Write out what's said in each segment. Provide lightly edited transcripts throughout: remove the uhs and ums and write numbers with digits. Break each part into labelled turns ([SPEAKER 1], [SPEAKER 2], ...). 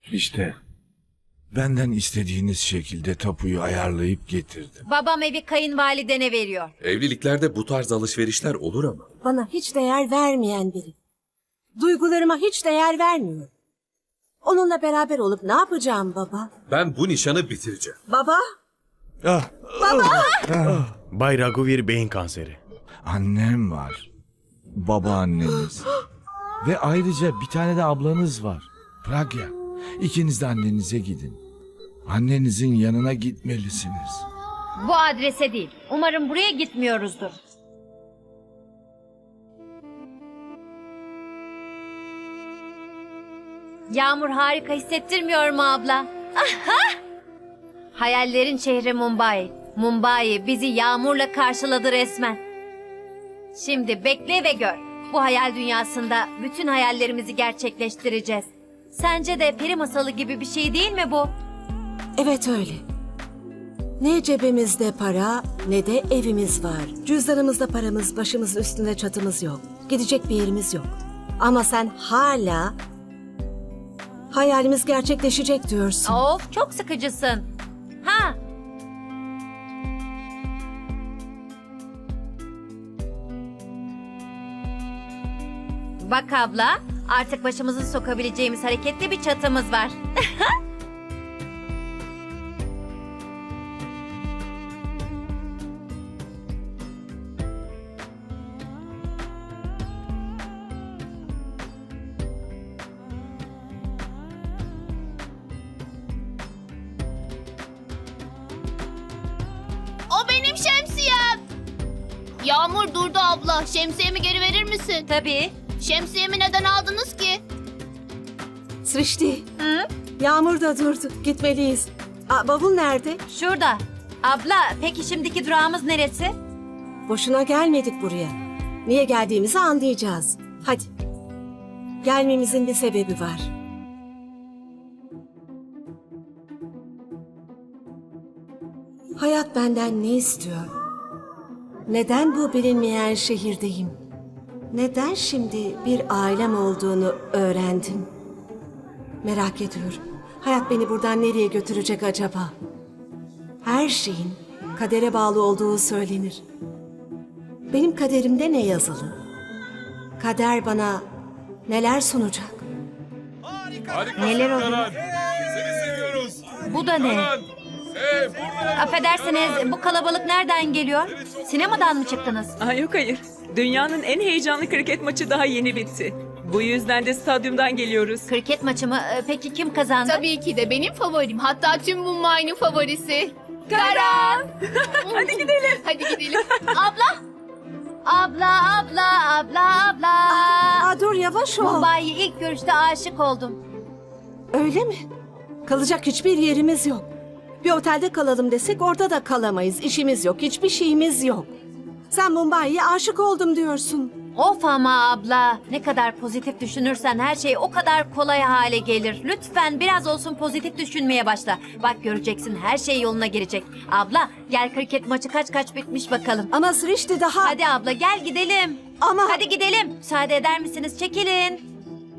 [SPEAKER 1] İşte benden istediğiniz şekilde tapuyu ayarlayıp getirdim.
[SPEAKER 2] Babam evi kayınvalidene veriyor.
[SPEAKER 3] Evliliklerde bu tarz alışverişler olur ama.
[SPEAKER 4] Bana hiç değer vermeyen biri. Duygularıma hiç değer vermiyor. Onunla beraber olup ne yapacağım baba?
[SPEAKER 3] Ben bu nişanı bitireceğim.
[SPEAKER 4] Baba?
[SPEAKER 5] Bay Raghuveer beyin kanseri.
[SPEAKER 1] Annem var. Babaanneniz. Ve ayrıca bir tane de ablanız var. Pragya. İkiniz de annenize gidin. Annenizin yanına gitmelisiniz.
[SPEAKER 2] Bu adrese değil. Umarım buraya gitmiyoruzdur. Yağmur harika hissettirmiyor mu abla? Aha! Hayallerin şehri Mumbai. Mumbai bizi yağmurla karşıladı resmen. Şimdi bekle ve gör. Bu hayal dünyasında bütün hayallerimizi gerçekleştireceğiz. Sence de peri masalı gibi bir şey değil mi bu?
[SPEAKER 4] Evet öyle. Ne cebimizde para ne de evimiz var. Cüzdanımızda paramız, başımızın üstünde çatımız yok. Gidecek bir yerimiz yok. Ama sen hala hayalimiz gerçekleşecek diyorsun.
[SPEAKER 2] Of, çok sıkıcısın. Ha? Bak abla, artık başımızı sokabileceğimiz hareketli bir çatımız var.
[SPEAKER 6] O benim şemsiyem. Yağmur durdu abla. Şemsiyemi geri verir misin?
[SPEAKER 2] Tabii.
[SPEAKER 6] Şemsiyemi neden aldınız ki?
[SPEAKER 4] Srişti. Yağmur da durdu. Gitmeliyiz. Bavul nerede?
[SPEAKER 2] Şurada. Abla, peki şimdiki durağımız neresi?
[SPEAKER 4] Boşuna gelmedik buraya. Niye geldiğimizi anlayacağız. Hadi. Gelmemizin bir sebebi var. Hayat benden ne istiyor? Neden bu bilinmeyen şehirdeyim? Neden şimdi bir ailem olduğunu öğrendim? Merak ediyorum. Hayat beni buradan nereye götürecek acaba? Her şeyin kadere bağlı olduğu söylenir. Benim kaderimde ne yazılı? Kader bana neler sunacak?
[SPEAKER 2] Neler oluyor?
[SPEAKER 3] Seni seviyoruz.
[SPEAKER 2] Bu da ne? Affedersiniz, bu kalabalık nereden geliyor? Sinemadan mı çıktınız?
[SPEAKER 7] Yok hayır. Dünyanın en heyecanlı kriket maçı daha yeni bitti. Bu yüzden de stadyumdan geliyoruz.
[SPEAKER 2] Kriket maçı mı? Peki kim kazandı?
[SPEAKER 6] Tabii ki de benim favorim. Hatta tüm Mumbai'nin favorisi. Karan!
[SPEAKER 7] Hadi gidelim.
[SPEAKER 6] Hadi gidelim.
[SPEAKER 2] Abla! Abla!
[SPEAKER 4] Dur yavaş ol.
[SPEAKER 2] Mumbai'ye ilk görüşte aşık oldum.
[SPEAKER 4] Öyle mi? Kalacak hiçbir yerimiz yok. Bir otelde kalalım desek orada da kalamayız. İşimiz yok, hiçbir şeyimiz yok. Sen Mumbai'ye aşık oldum diyorsun.
[SPEAKER 2] Of ama abla, ne kadar pozitif düşünürsen her şey o kadar kolay hale gelir. Lütfen biraz olsun pozitif düşünmeye başla. Bak göreceksin, her şey yoluna girecek. Abla, gel kriket maçı kaç bitmiş bakalım.
[SPEAKER 4] Ama Srişti daha...
[SPEAKER 2] Hadi abla gel gidelim.
[SPEAKER 4] Ama...
[SPEAKER 2] Hadi gidelim. Müsaade eder misiniz? Çekilin.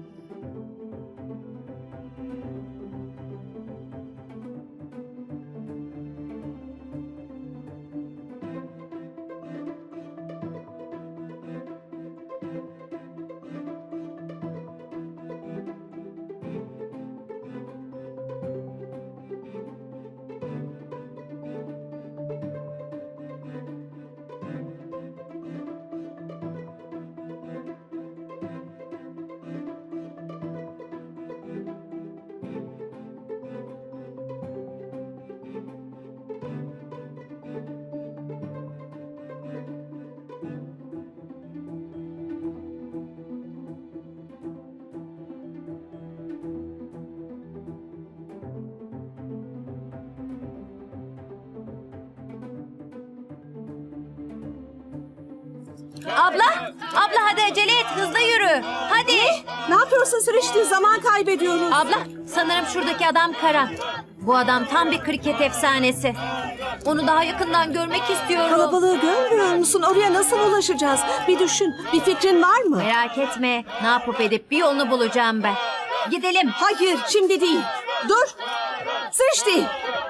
[SPEAKER 2] Abla hadi acele et, hızlı yürü. Hadi.
[SPEAKER 4] Ne yapıyorsun Srişti? Zaman kaybediyoruz.
[SPEAKER 2] Abla, sanırım şuradaki adam Karan. Bu adam tam bir kriket efsanesi. Onu daha yakından görmek istiyorum.
[SPEAKER 4] Kalabalığı görmüyor musun? Oraya nasıl ulaşacağız? Bir düşün. Bir fikrin var mı?
[SPEAKER 2] Merak etme. Ne yapıp edip bir yolunu bulacağım ben. Gidelim.
[SPEAKER 4] Hayır, şimdi değil. Dur. Srişti.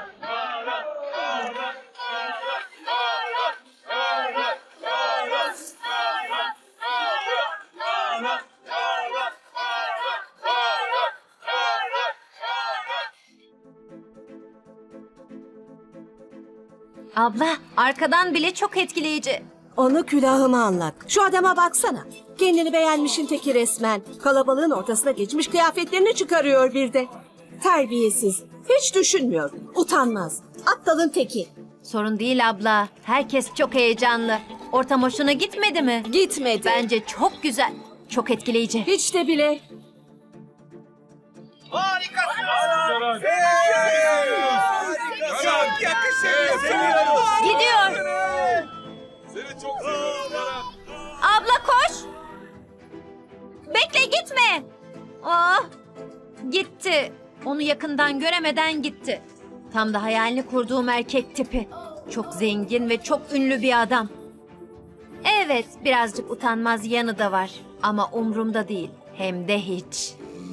[SPEAKER 2] Abla, arkadan bile çok etkileyici.
[SPEAKER 4] Onu külahıma anlat. Şu adama baksana. Kendini beğenmişin teki resmen. Kalabalığın ortasına geçmiş kıyafetlerini çıkarıyor bir de. Terbiyesiz. Hiç düşünmüyor. Utanmaz. Aptalın teki.
[SPEAKER 2] Sorun değil abla. Herkes çok heyecanlı. Ortam hoşuna gitmedi mi?
[SPEAKER 4] Gitmedi.
[SPEAKER 2] Bence çok güzel. Çok etkileyici.
[SPEAKER 4] Hiç de bile.
[SPEAKER 2] Gidiyor. Abla koş. Bekle gitme. Ah, gitti. Onu yakından göremeden gitti. Tam da hayalini kurduğum erkek tipi. Çok zengin ve çok ünlü bir adam. Evet, birazcık utanmaz yanı da var. Ama umrumda değil. Hem de hiç.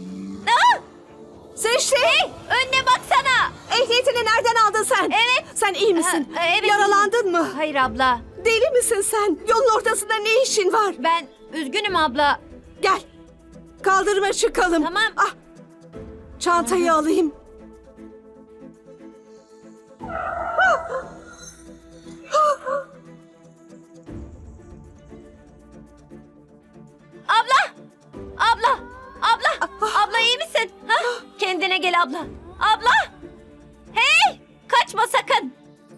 [SPEAKER 4] Srişti.
[SPEAKER 2] Hey, önüne baksana.
[SPEAKER 4] Ehliyetini nereden aldın sen?
[SPEAKER 2] Evet.
[SPEAKER 4] Sen iyi misin?
[SPEAKER 2] Evet.
[SPEAKER 4] Yaralandın mı?
[SPEAKER 2] Hayır abla.
[SPEAKER 4] Deli misin sen? Yolun ortasında ne işin var?
[SPEAKER 2] Ben üzgünüm abla.
[SPEAKER 4] Gel. Kaldırıma çıkalım.
[SPEAKER 2] Tamam.
[SPEAKER 4] Ah. Çantayı alayım.
[SPEAKER 2] Abla! Abla! Abla! Abla iyi misin? Ha? Kendine gel abla. Abla! Hey! Kaçma sakın.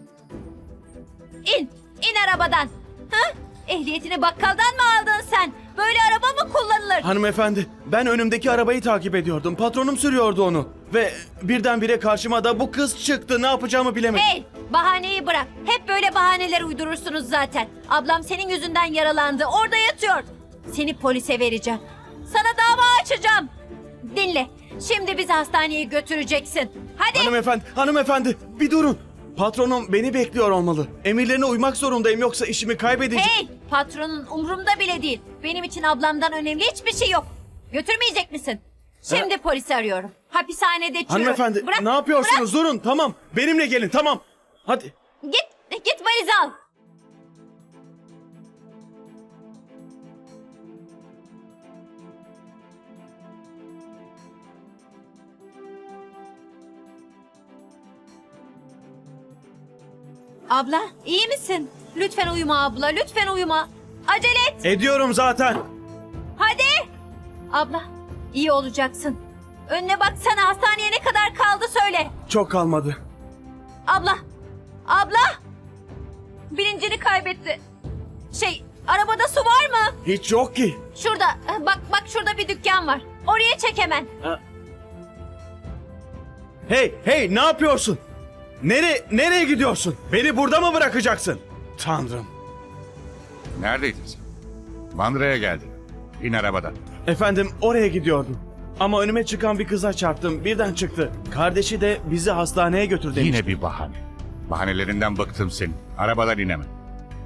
[SPEAKER 2] İn. İn arabadan. Ha? Ehliyetini bakkaldan mı aldın sen? Böyle araba mı kullanılır?
[SPEAKER 5] Hanımefendi, ben önümdeki arabayı takip ediyordum. Patronum sürüyordu onu. Ve birdenbire karşıma da bu kız çıktı. Ne yapacağımı bilemedim.
[SPEAKER 2] Hey! Bahaneyi bırak. Hep böyle bahaneler uydurursunuz zaten. Ablam senin yüzünden yaralandı. Orada yatıyor. Seni polise vereceğim. Sana dava açacağım. Dinle. Şimdi bizi hastaneye götüreceksin. Hadi.
[SPEAKER 5] Hanımefendi, bir durun. Patronum beni bekliyor olmalı. Emirlerine uymak zorundayım yoksa işimi kaybedeceğim.
[SPEAKER 2] Hey! Patronun umrumda bile değil. Benim için ablamdan önemli hiçbir şey yok. Götürmeyecek misin? Şimdi polisi arıyorum. Hapishanede çürü.
[SPEAKER 5] Hanımefendi,
[SPEAKER 2] Bırak,
[SPEAKER 5] ne yapıyorsunuz?
[SPEAKER 2] bırak.
[SPEAKER 5] Durun, tamam. Benimle gelin, tamam. Hadi.
[SPEAKER 2] Git valizi al. Abla, iyi misin? Lütfen uyuma abla, lütfen uyuma. Acele et.
[SPEAKER 5] Ediyorum zaten.
[SPEAKER 2] Hadi. Abla, iyi olacaksın. Önüne baksana, hastaneye ne kadar kaldı söyle.
[SPEAKER 5] Çok kalmadı.
[SPEAKER 2] Abla. Bilincini kaybetti. Arabada su var mı?
[SPEAKER 5] Hiç yok ki.
[SPEAKER 2] Şurada, bak şurada bir dükkan var. Oraya çek hemen.
[SPEAKER 5] Hey, ne yapıyorsun? Nereye gidiyorsun? Beni burada mı bırakacaksın? Tanrım.
[SPEAKER 8] Neredeydin sen? Bandıra'ya geldin. İn arabadan.
[SPEAKER 5] Efendim, oraya gidiyordum. Ama önüme çıkan bir kıza çarptım. Birden çıktı. Kardeşi de bizi hastaneye götür demişti.
[SPEAKER 8] Yine bir bahane. Bahanelerinden bıktım senin. Arabadan in hemen.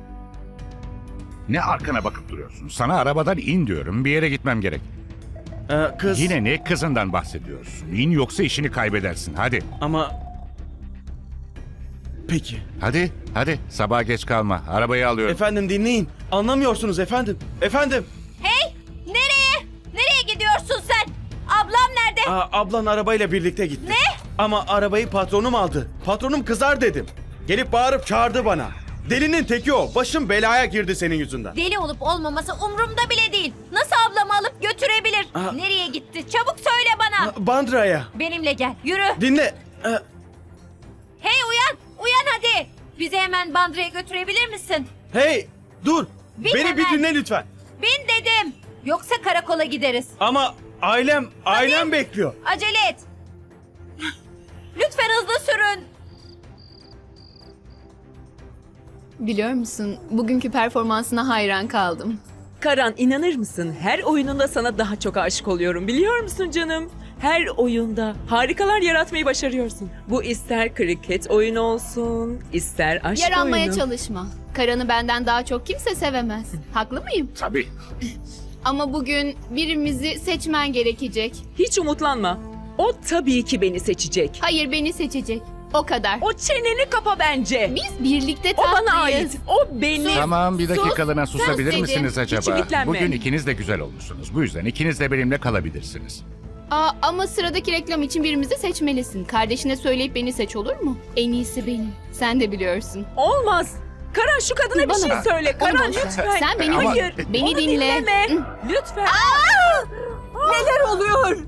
[SPEAKER 8] Ne arkana bakıp duruyorsun? Sana arabadan in diyorum. Bir yere gitmem gerek.
[SPEAKER 5] Kız...
[SPEAKER 8] Yine ne kızından bahsediyorsun? İn yoksa işini kaybedersin. Hadi.
[SPEAKER 5] Ama... Peki.
[SPEAKER 8] Hadi. Sabaha geç kalma. Arabayı alıyorum.
[SPEAKER 5] Efendim dinleyin. Anlamıyorsunuz efendim. Efendim.
[SPEAKER 2] Hey, nereye gidiyorsun sen? Ablam nerede?
[SPEAKER 5] Ablan arabayla birlikte gitti.
[SPEAKER 2] Ne?
[SPEAKER 5] Ama arabayı patronum aldı. Patronum kızar dedim. Gelip bağırıp çağırdı bana. Delinin teki o. Başım belaya girdi senin yüzünden.
[SPEAKER 2] Deli olup olmaması umurumda bile değil. Nasıl ablamı alıp götürebilir? Nereye gitti? Çabuk söyle bana.
[SPEAKER 5] Bandıra'ya.
[SPEAKER 2] Benimle gel, yürü.
[SPEAKER 5] Dinle.
[SPEAKER 2] Hey uyan hadi. Bizi hemen Bandıra'ya götürebilir misin?
[SPEAKER 5] Hey, dur.
[SPEAKER 2] Bin
[SPEAKER 5] Beni bir
[SPEAKER 2] hemen.
[SPEAKER 5] dinle lütfen.
[SPEAKER 2] Bin dedim. Yoksa karakola gideriz.
[SPEAKER 5] Ama ailem bekliyor.
[SPEAKER 2] Acele et. Lütfen hızlı sürün.
[SPEAKER 9] Biliyor musun, bugünkü performansına hayran kaldım.
[SPEAKER 7] Karan, inanır mısın? Her oyununda sana daha çok aşık oluyorum. Biliyor musun canım? Her oyunda harikalar yaratmayı başarıyorsun. Bu ister kriket oyunu olsun, ister aşk
[SPEAKER 9] Yaranmaya
[SPEAKER 7] oyunu.
[SPEAKER 9] çalışma. Karan'ı benden daha çok kimse sevemez. Haklı mıyım?
[SPEAKER 8] Tabii.
[SPEAKER 9] Ama bugün birimizi seçmen gerekecek.
[SPEAKER 7] Hiç umutlanma. O tabii ki beni seçecek.
[SPEAKER 9] Hayır, beni seçecek. O kadar.
[SPEAKER 7] O çeneni kapa bence.
[SPEAKER 9] Biz birlikte
[SPEAKER 7] O
[SPEAKER 9] tatlıyız.
[SPEAKER 7] bana ait. O benim.
[SPEAKER 8] Tamam, bir
[SPEAKER 9] Sus,
[SPEAKER 8] dakikalığına susabilir
[SPEAKER 9] sus
[SPEAKER 8] misiniz
[SPEAKER 9] dedim.
[SPEAKER 8] acaba?
[SPEAKER 7] ümitlenme.
[SPEAKER 8] Bugün ikiniz de güzel olmuşsunuz. Bu yüzden ikiniz de benimle kalabilirsiniz.
[SPEAKER 9] Ama sıradaki reklam için birimizi seçmelisin. Kardeşine söyleyip beni seç, olur mu? En iyisi benim. Sen de biliyorsun.
[SPEAKER 7] Olmaz. Karan, şu kadına bir
[SPEAKER 9] Bana
[SPEAKER 7] şey
[SPEAKER 9] bak.
[SPEAKER 7] söyle.
[SPEAKER 9] Onu
[SPEAKER 7] Karan
[SPEAKER 9] boş ver.
[SPEAKER 7] lütfen.
[SPEAKER 9] Sen beni
[SPEAKER 7] Hayır.
[SPEAKER 9] beni
[SPEAKER 7] Onu
[SPEAKER 9] dinle.
[SPEAKER 7] dinleme.
[SPEAKER 9] Hı.
[SPEAKER 7] Lütfen.
[SPEAKER 4] Neler oluyor?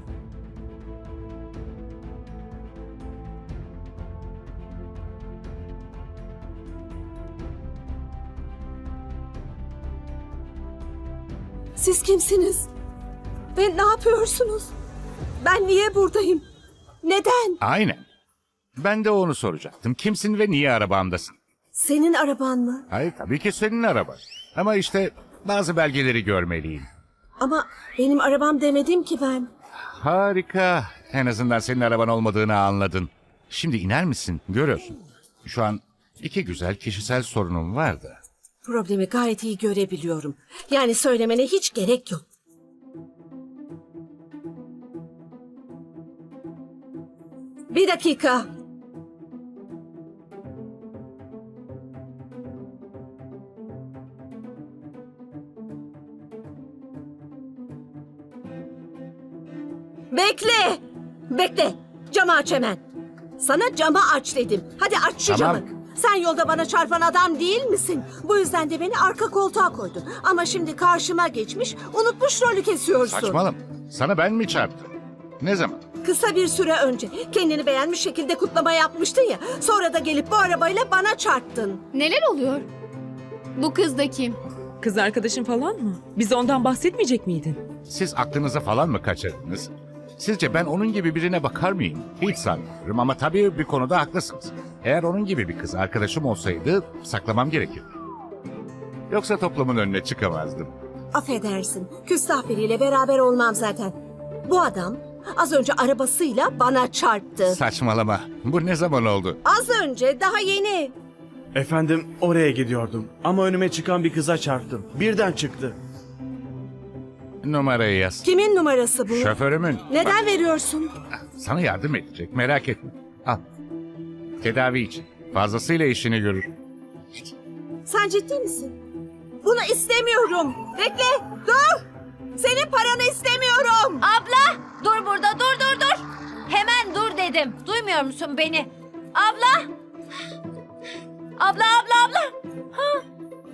[SPEAKER 4] Siz kimsiniz? Ve ne yapıyorsunuz? Ben niye buradayım? Neden?
[SPEAKER 8] Aynen. Ben de onu soracaktım. Kimsin ve niye arabamdasın?
[SPEAKER 4] Senin araban mı?
[SPEAKER 8] Hayır, tabii ki senin araban. Ama işte bazı belgeleri görmeliyim.
[SPEAKER 4] Ama benim arabam demedim ki ben.
[SPEAKER 8] Harika. En azından senin araban olmadığını anladın. Şimdi iner misin? Görüyorsun. Şu an iki güzel kişisel sorunum var da.
[SPEAKER 4] Problemi gayet iyi görebiliyorum. Yani söylemene hiç gerek yok. Bir dakika. Bekle. Bekle. Camı aç hemen. Sana camı aç dedim. Hadi aç şu
[SPEAKER 8] Tamam.
[SPEAKER 4] camı. Sen yolda bana çarpan adam değil misin? Bu yüzden de beni arka koltuğa koydun. Ama şimdi karşıma geçmiş, unutmuş rolü kesiyorsun.
[SPEAKER 8] Saçmalama. Sana ben mi çarptım? Ne zaman?
[SPEAKER 4] Kısa bir süre önce kendini beğenmiş şekilde kutlama yapmıştın ya. Sonra da gelip bu arabayla bana çarptın.
[SPEAKER 9] Neler oluyor? Bu kız da kim?
[SPEAKER 7] Kız arkadaşın falan mı? Bize ondan bahsetmeyecek miydin?
[SPEAKER 8] Siz aklınızı falan mı kaçırdınız? Sizce ben onun gibi birine bakar mıyım? Hiç sanmıyorum ama tabii bir konuda haklısınız. Eğer onun gibi bir kız arkadaşım olsaydı saklamam gerekirdi. Yoksa toplumun önüne çıkamazdım.
[SPEAKER 4] Affedersin. Küstah biriyle beraber olmam zaten. Bu adam az önce arabasıyla bana çarptı.
[SPEAKER 8] Saçmalama. Bu ne zaman oldu?
[SPEAKER 4] Az önce, daha yeni.
[SPEAKER 5] Efendim, oraya gidiyordum. Ama önüme çıkan bir kıza çarptım. Birden çıktı.
[SPEAKER 8] Numarayı yaz.
[SPEAKER 4] Kimin numarası bu?
[SPEAKER 8] Şoförümün.
[SPEAKER 4] Neden veriyorsun?
[SPEAKER 8] Sana yardım edecek, merak etme. Al. Tedavi için. Fazlasıyla işini görür.
[SPEAKER 4] Sen ciddi misin? Bunu istemiyorum. Bekle, dur. Senin paranı istemiyorum.
[SPEAKER 2] Abla dur burada, dur. Hemen dur dedim. Duymuyor musun beni? Abla. Abla. Ha.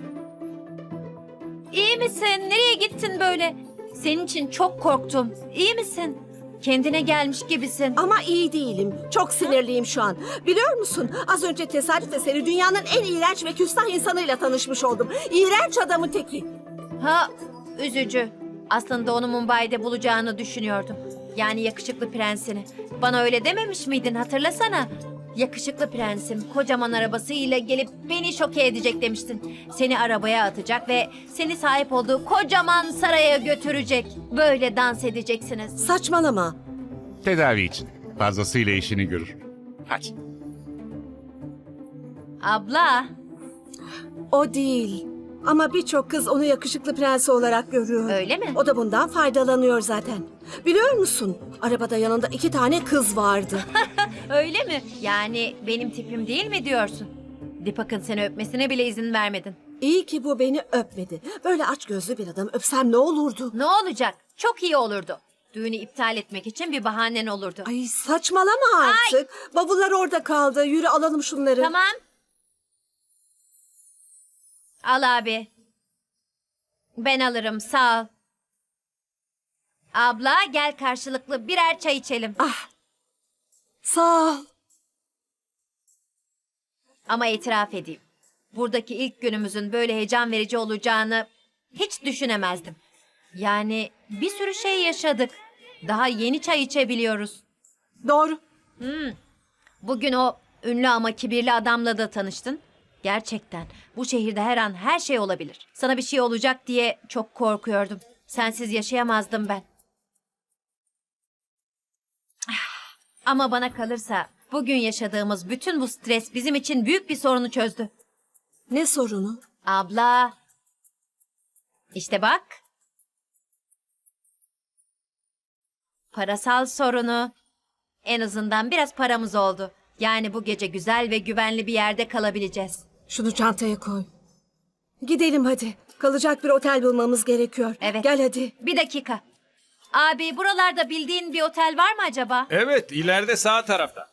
[SPEAKER 2] İyi misin? Nereye gittin böyle? Senin için çok korktum. İyi misin? Kendine gelmiş gibisin.
[SPEAKER 4] Ama iyi değilim. Çok sinirliyim şu an. Biliyor musun? Az önce tesadüf eseri dünyanın en iğrenç ve küstah insanıyla tanışmış oldum. İğrenç adamın teki.
[SPEAKER 2] Ha, üzücü. Aslında onu Mumbai'de bulacağını düşünüyordum. Yani yakışıklı prensini. Bana öyle dememiş miydin, hatırlasana. Yakışıklı prensim kocaman arabasıyla gelip beni şoke edecek demiştin. Seni arabaya atacak ve seni sahip olduğu kocaman saraya götürecek. Böyle dans edeceksiniz.
[SPEAKER 4] Saçmalama.
[SPEAKER 8] Tedavi için. Fazlasıyla işini görür. Hadi.
[SPEAKER 2] Abla,
[SPEAKER 4] O değil. Ama birçok kız onu yakışıklı prensi olarak görüyor.
[SPEAKER 2] öyle mi?
[SPEAKER 4] O da bundan faydalanıyor zaten. Biliyor musun? Arabada yanında 2 tane kız vardı.
[SPEAKER 2] Öyle mi? Yani benim tipim değil mi diyorsun? Dipak'ın seni öpmesine bile izin vermedin.
[SPEAKER 4] İyi ki bu beni öpmedi. Böyle açgözlü bir adam öpsem ne olurdu?
[SPEAKER 2] Ne olacak? Çok iyi olurdu. Düğünü iptal etmek için bir bahanen olurdu.
[SPEAKER 4] Ay saçmalama artık. Bavullar orada kaldı. Yürü alalım şunları.
[SPEAKER 2] Tamam. Al abi. Ben alırım, sağ ol. Abla gel karşılıklı birer çay içelim.
[SPEAKER 4] Sağ ol.
[SPEAKER 2] Ama itiraf edeyim. Buradaki ilk günümüzün böyle heyecan verici olacağını hiç düşünemezdim. Yani bir sürü şey yaşadık. Daha yeni çay içebiliyoruz.
[SPEAKER 4] Doğru.
[SPEAKER 2] Bugün o ünlü ama kibirli adamla da tanıştın. Gerçekten bu şehirde her an her şey olabilir. Sana bir şey olacak diye çok korkuyordum. Sensiz yaşayamazdım ben. Ama bana kalırsa bugün yaşadığımız bütün bu stres bizim için büyük bir sorunu çözdü.
[SPEAKER 4] Ne sorunu?
[SPEAKER 2] Abla. İşte bak. Parasal sorunu. En azından biraz paramız oldu. Yani bu gece güzel ve güvenli bir yerde kalabileceğiz.
[SPEAKER 4] Şunu çantaya koy. Gidelim hadi. Kalacak bir otel bulmamız gerekiyor.
[SPEAKER 2] Evet.
[SPEAKER 4] Gel hadi.
[SPEAKER 2] Bir dakika. Abi buralarda bildiğin bir otel var mı acaba?
[SPEAKER 3] Evet, ileride sağ tarafta.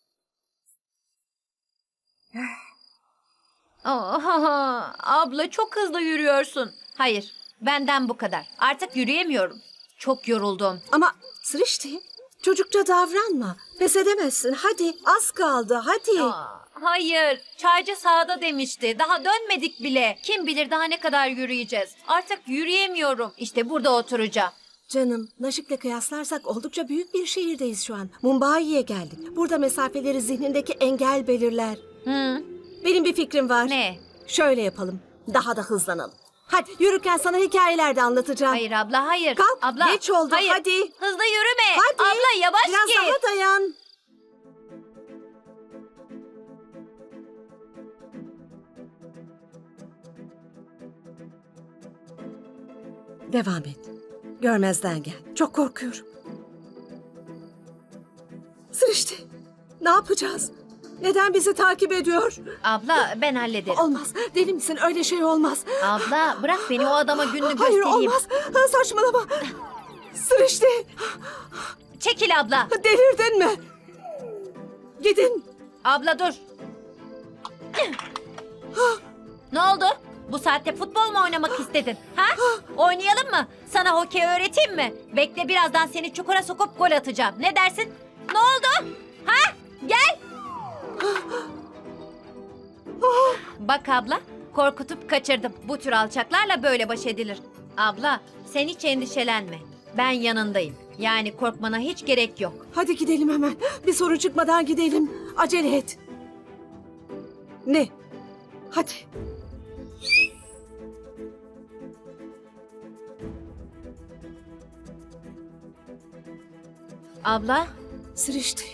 [SPEAKER 2] Abla çok hızlı yürüyorsun. Hayır, benden bu kadar. Artık yürüyemiyorum. Çok yoruldum.
[SPEAKER 4] Ama Sırıştı. Çocukça davranma. Pes edemezsin. Hadi az kaldı hadi.
[SPEAKER 2] Hayır, çaycı sağda demişti. Daha dönmedik bile. Kim bilir daha ne kadar yürüyeceğiz. Artık yürüyemiyorum. İşte burada oturacağım.
[SPEAKER 4] Canım, Naşik'le kıyaslarsak oldukça büyük bir şehirdeyiz şu an. Mumbai'ye geldik. Burada mesafeleri zihnindeki engel belirler. Benim bir fikrim var.
[SPEAKER 2] Ne?
[SPEAKER 4] Şöyle yapalım. Daha da hızlanalım. Hadi yürürken sana hikayeler de anlatacağım.
[SPEAKER 2] Hayır abla, hayır.
[SPEAKER 4] Kalk,
[SPEAKER 2] abla,
[SPEAKER 4] geç oldu,
[SPEAKER 2] hayır.
[SPEAKER 4] hadi.
[SPEAKER 2] Hızlı yürüme.
[SPEAKER 4] Hadi.
[SPEAKER 2] Abla yavaş
[SPEAKER 4] Biraz
[SPEAKER 2] git.
[SPEAKER 4] daha dayan. Devam et. Görmezden gel. Çok korkuyorum. Sırıştı. Ne yapacağız? Neden bizi takip ediyor?
[SPEAKER 2] Abla ben hallederim.
[SPEAKER 4] Olmaz. Deli misin? Öyle şey olmaz.
[SPEAKER 2] Abla bırak beni o adama gününü
[SPEAKER 4] Hayır
[SPEAKER 2] göstereyim.
[SPEAKER 4] olmaz. Saçmalama. Sırıştı.
[SPEAKER 2] Çekil abla.
[SPEAKER 4] Delirdin mi? Gidin.
[SPEAKER 2] Abla dur. Ne oldu? Bu saatte futbol mu oynamak istedin? Ha? Oynayalım mı? Sana hokey öğreteyim mi? Bekle birazdan seni çukura sokup gol atacağım. Ne dersin? Ne oldu? Ha? Gel. Bak abla, korkutup kaçırdım. Bu tür alçaklarla böyle baş edilir. Abla, sen hiç endişelenme. Ben yanındayım. Yani korkmana hiç gerek yok.
[SPEAKER 4] Hadi gidelim hemen. Bir sorun çıkmadan gidelim. Acele et. Ne? Hadi.
[SPEAKER 2] Abla,
[SPEAKER 4] Sırıştı.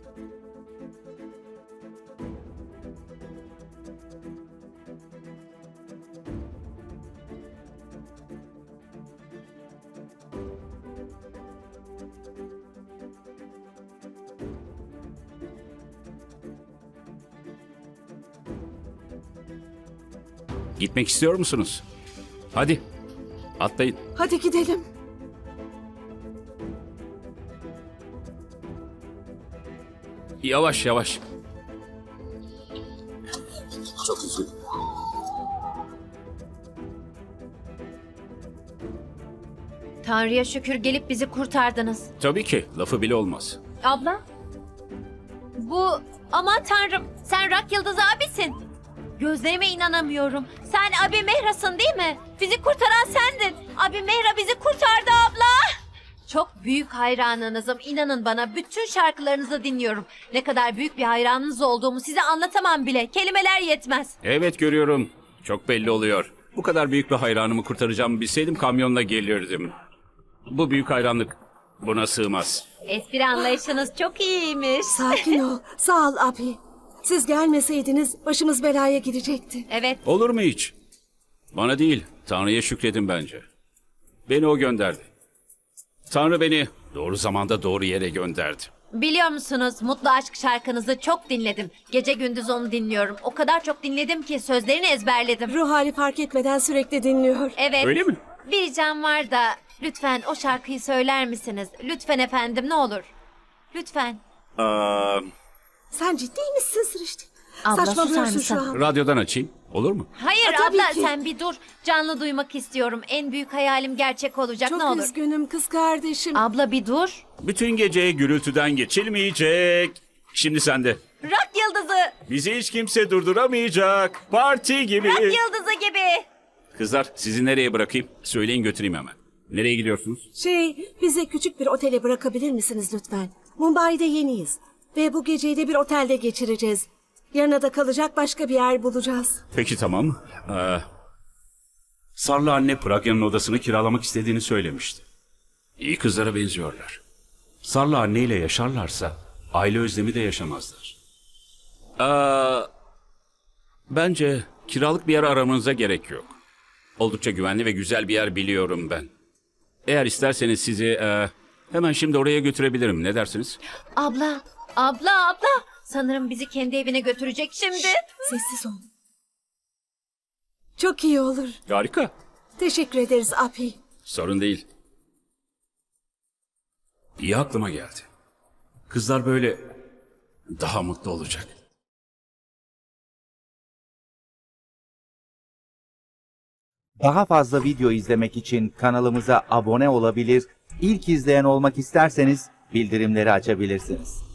[SPEAKER 10] Gitmek istiyor musunuz? Hadi, atlayın.
[SPEAKER 4] Hadi gidelim.
[SPEAKER 10] Yavaş yavaş.
[SPEAKER 3] Çok üzüldüm.
[SPEAKER 2] Tanrı'ya şükür gelip bizi kurtardınız.
[SPEAKER 10] Tabii ki, lafı bile olmaz.
[SPEAKER 2] Abla, bu aman Tanrım, sen Rak Yıldız abisin. Gözlerime inanamıyorum. Sen Abi Mehra'sın değil mi? Bizi kurtaran sendin. Abi Mehra bizi kurtardı abla. Çok büyük hayranınızım. İnanın bana bütün şarkılarınızı dinliyorum. Ne kadar büyük bir hayranınız olduğumu size anlatamam bile. Kelimeler yetmez.
[SPEAKER 10] Evet görüyorum. Çok belli oluyor. Bu kadar büyük bir hayranımı kurtaracağımı bilseydim kamyonla gelirdim. Bu büyük hayranlık buna sığmaz.
[SPEAKER 2] Espri anlayışınız çok iyiymiş.
[SPEAKER 4] Sakin ol. Sağ ol abi. Siz gelmeseydiniz başımız belaya girecekti.
[SPEAKER 2] Evet.
[SPEAKER 10] Olur mu hiç? Bana değil, Tanrı'ya şükredin bence. Beni o gönderdi. Tanrı beni doğru zamanda doğru yere gönderdi.
[SPEAKER 2] Biliyor musunuz Mutlu Aşk şarkınızı çok dinledim. Gece gündüz onu dinliyorum. O kadar çok dinledim ki sözlerini ezberledim.
[SPEAKER 4] Ruh hali fark etmeden sürekli dinliyor.
[SPEAKER 2] Evet.
[SPEAKER 10] Öyle mi?
[SPEAKER 2] Bir ricam var da lütfen o şarkıyı söyler misiniz? Lütfen efendim ne olur. Lütfen.
[SPEAKER 4] Sen ciddi misin Sırıştı?
[SPEAKER 2] Abla,
[SPEAKER 4] Saçmalıyorsun
[SPEAKER 2] susar
[SPEAKER 4] şu
[SPEAKER 2] mısın?
[SPEAKER 4] an.
[SPEAKER 10] Radyodan açayım, olur mu?
[SPEAKER 2] Hayır
[SPEAKER 4] tabii
[SPEAKER 2] abla
[SPEAKER 4] ki.
[SPEAKER 2] sen bir dur. Canlı duymak istiyorum. En büyük hayalim gerçek olacak
[SPEAKER 4] Çok
[SPEAKER 2] ne olur.
[SPEAKER 4] üzgünüm kız kardeşim.
[SPEAKER 2] Abla bir dur.
[SPEAKER 10] Bütün gece gürültüden geçilmeyecek. Şimdi sende.
[SPEAKER 2] Rock yıldızı.
[SPEAKER 10] Bizi hiç kimse durduramayacak. Parti gibi.
[SPEAKER 2] Rock yıldızı gibi.
[SPEAKER 10] Kızlar sizi nereye bırakayım? Söyleyin götüreyim hemen. Nereye gidiyorsunuz?
[SPEAKER 4] Bizi küçük bir otele bırakabilir misiniz lütfen? Mumbai'de yeniyiz. Ve bu geceyi de bir otelde geçireceğiz. Yarına da kalacak başka bir yer bulacağız.
[SPEAKER 10] Peki tamam. Sarlı anne Pragya'nın odasını kiralamak istediğini söylemişti. İyi kızlara benziyorlar. Sarlı anneyle yaşarlarsa aile özlemi de yaşamazlar. Bence kiralık bir yer aramanıza gerek yok. Oldukça güvenli ve güzel bir yer biliyorum ben. Eğer isterseniz sizi Hemen şimdi oraya götürebilirim. Ne dersiniz?
[SPEAKER 2] Abla. Sanırım bizi kendi evine götürecek şimdi.
[SPEAKER 4] Sessiz ol. Çok iyi olur.
[SPEAKER 10] Harika.
[SPEAKER 4] Teşekkür ederiz Api.
[SPEAKER 10] Sorun değil. İyi aklıma geldi. Kızlar böyle daha mutlu olacak.
[SPEAKER 11] Daha fazla video izlemek için kanalımıza abone olabilir, ilk izleyen olmak isterseniz bildirimleri açabilirsiniz.